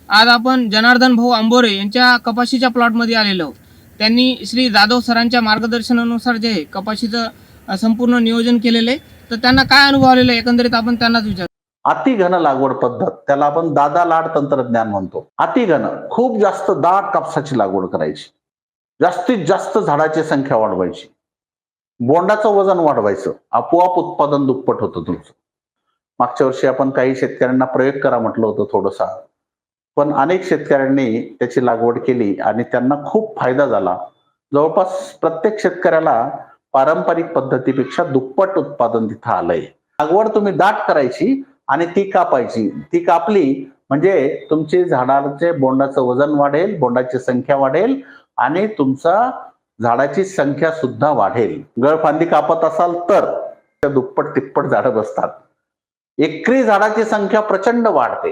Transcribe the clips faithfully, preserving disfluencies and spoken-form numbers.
आज आपण जनार्दन भाऊ आंबोरे यांच्या कपाशीच्या प्लॉटमध्ये आलेलो. त्यांनी श्री जाधव सरांच्या मार्गदर्शनानुसार जे कपाशीचं संपूर्ण नियोजन केलेलं आहे, तर त्यांना काय अनुभव आलेला आहे एकंदरीत आपण त्यांनाच विचार. अतिघन लागवड पद्धत, त्याला आपण दादा लाड तंत्रज्ञान म्हणतो. अतिघन खूप जास्त दाट कापसाची लागवड करायची, जास्तीत जास्त झाडाची संख्या वाढवायची, बोंडाचं वजन वाढवायचं, आपोआप उत्पादन दुप्पट होतं तुमचं. मागच्या वर्षी आपण काही शेतकऱ्यांना प्रयोग करा म्हटलं होतं थोडंसा, पण अनेक शेतकऱ्यांनी त्याची लागवड केली आणि त्यांना खूप फायदा झाला. जवळपास प्रत्येक शेतकऱ्याला पारंपरिक पद्धतीपेक्षा दुप्पट उत्पादन तिथं आलंय. लागवड तुम्ही दाट करायची आणि ती कापायची. ती कापली म्हणजे तुमची झाडाचे बोंडाचं वजन वाढेल, बोंडाची संख्या वाढेल आणि तुमचा झाडाची संख्या सुद्धा वाढेल. गळफांदी कापत असाल तर त्या दुप्पट तिप्पट झाडं बसतात. एकरी झाडाची संख्या प्रचंड वाढते.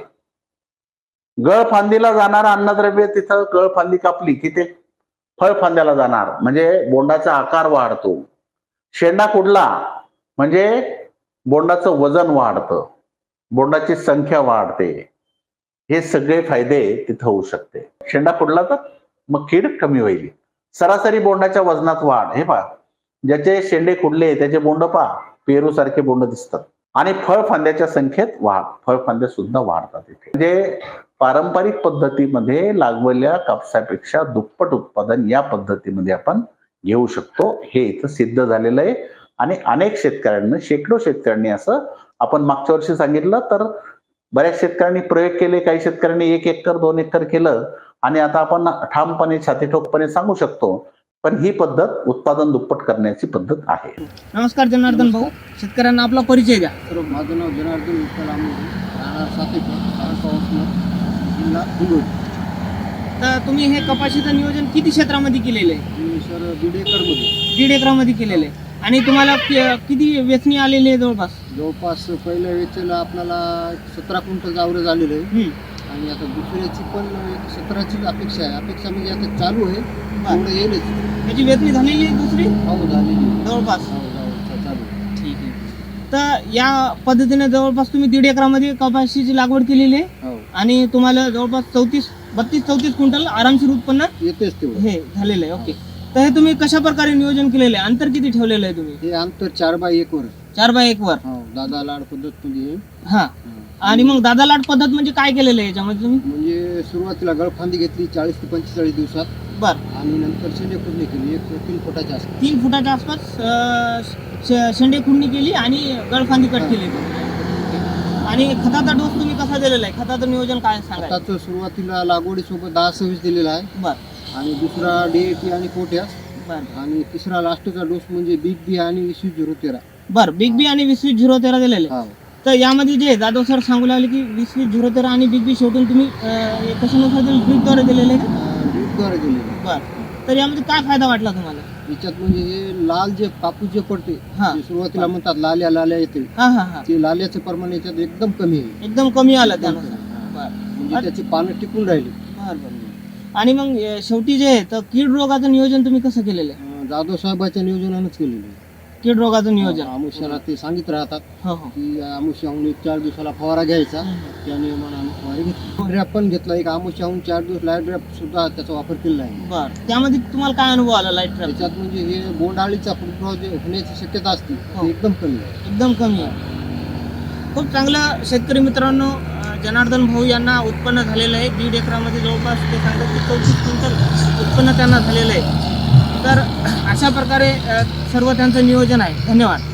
गळफांदीला जाणार अन्नद्रव्य तिथं गळफांदी कापली की ते फळफांद्याला जाणार, म्हणजे बोंडाचा आकार वाढतो. शेंडा कुडला म्हणजे बोंडाचं वजन वाढतं, बोंडाची संख्या वाढते. हे सगळे फायदे तिथं होऊ शकते. शेंडा कुडला तर मग कीड कमी होईल. सरासरी बोंडाच्या वजनात वाढ. हे पहा, ज्याचे शेंडे कुडले त्याचे बोंड पहा पेरू सारखे बोंड दिसतात. आणि फळफांद्याच्या संख्येत वाढ, फळफांद्या सुद्धा वाढतात इथे. म्हणजे पारंपरिक पद्धतीमध्ये लागवलेल्या कापसापेक्षा दुप्पट उत्पादन या पद्धतीमध्ये आपण घेऊ शकतो. हे इथं सिद्ध झालेलं आहे आणि अनेक शेतकऱ्यांना, शेकडो शेतकऱ्यांनी असं, आपण मागच्या वर्षी सांगितलं तर बऱ्याच शेतकऱ्यांनी प्रयोग केले. काही शेतकऱ्यांनी एक एकर दोन एकर केलं आणि आता आपण ठामपणे छाती ठोकपणे सांगू शकतो. पण ही पद्धत उत्पादन दुप्पट करण्याची पद्धत आहे. नमस्कार जनार्दन भाऊ, शेतकऱ्यांना आपला परिचय द्या. तर माझं नाव जनार्दन विठ्ठल आंबोरे, राहणार सातेकर, तालुका वसमत, जिल्हा हिंगोली. तर तुम्ही हे कपाशीचं नियोजन किती क्षेत्रामध्ये केलेलं आहे? मी सर दीड एकरमध्ये दीड एकरामध्ये केलेलं आहे. आणि तुम्हाला कि- किती वेचणी आलेली आहे जवळपास? जवळपास पहिल्या वेचेला आपल्याला सतरा क्विंटल आवरेज झालेलं आहे हम्म. आणि आता दुसऱ्याची पण एक सतराची अपेक्षा आहे. अपेक्षा म्हणजे आता चालू आहे, तेवढं येईलच. त्याची वेचणी झालेली आहे दुसरी हो झालेली आहे. जवळपास. हो, हो, चालू आहे. ठीक आहे. तर या पद्धतीने जवळपास तुम्ही दीड एकरामध्ये कपाशीची लागवड केलेली आहे हो आणि तुम्हाला जवळपास चौतीस बत्तीस चौतीस क्विंटल आरामशीर उत्पन्न येतेच तेवढं. हे झालेलं आहे. ओके. तर हे तुम्ही कशा प्रकारे नियोजन केलेलं आहे? अंतर किती ठेवलेलं आहे तुम्ही? हे अंतर चार बाय एक वर. चार बाय एक वर. हो, दादा लाड पद्धत म्हणजे. हा. आणि मग दादा लाट पद्धत म्हणजे काय केलेलं आहे याच्यामध्ये तुम्ही? म्हणजे सुरुवातीला गळफांदी घेतली चाळीस ते पंचेचाळीस दिवसात बर. आणि नंतर शेंडे खुडणी केली एक तीन फुटाच्या आसपास. तीन फुटाच्या आसपास अं, शे- शेंडे खुडणी केली आणि गळफांदी कट केली. आणि खताचा डोस तुम्ही कसा दिलेला आहे? खताचं नियोजन काय सांगा? खताचं सुरुवातीला लागवडीसोबत दहा सव्वीस दिलेला आहे बर आणि दुसरा डीएटी आणि पोटॅश बर आणि तिसरा लास्टचा डोस म्हणजे बिग बी आणि वीस झिरो तेरा. बर बिग बी आणि वीस वीस झिरो तेरा दिलेले. हा, तर यामध्ये जे जाधव सर सांगू लागले की वीस वीस झिरो तेरा आणि बिग बी शेवटून तुम्ही अं, कशानुसार ड्रीपद्वारे दिलेले आहे का? ड्रीपद्वारे दिलेले. बर. तर यामध्ये काय फायदा वाटला तुम्हाला? याच्यात म्हणजे हे लाल जे कापूस जे पडते, हा. जे सुरुवातीला म्हणतात लाल्या लाल्या येते, हा हा हा ते लाल्याचं प्रमाण याच्यात एकदम कमी आहे. एकदम कमी आलं त्यानुसार. बर म्हणजे त्याची पानं टिकून राहिली. बर बर. आणि मग अं, शेवटी जे आहे तर कीड रोगाचं नियोजन तुम्ही कसं केलेलं आहे? अं, जाधव साहेबाच्या नियोजनानंच केलेलं आहे. कीड रोगाचं नियोजन. आमुष्याला ते सांगित राहतात हो हो. की आमुष्याहून एक चार दिवसाला फवारा घ्यायचा. त्या नियमानं आम्ही फवारा घेतला. ड्रॅप पण घेतला एक आमुष्याहून चार दिवस लाईट ड्रॅप सुद्धा त्याचा वापर केलेला आहे. बर. त्यामध्ये तुम्हाला काय अनुभव आला लाईट ट्रॅप? त्याच्यात म्हणजे हे बोंडाळीचा फुटबॉल जे होण्याची शक्यता असते हो. ती एकदम कमी आहे. एकदम कमी आहे. खूप चांगलं शेतकरी मित्रांनो, अं, जनार्दन भाऊ यांना उत्पन्न झालेलं आहे. दीड एकरामध्ये जवळपास ते सांगतात की चौतीस क्विंटल उत्पन्न त्यांना झालेलं आहे. तर अशा प्रकारे अं, सर्व त्यांचं नियोजन आहे. धन्यवाद.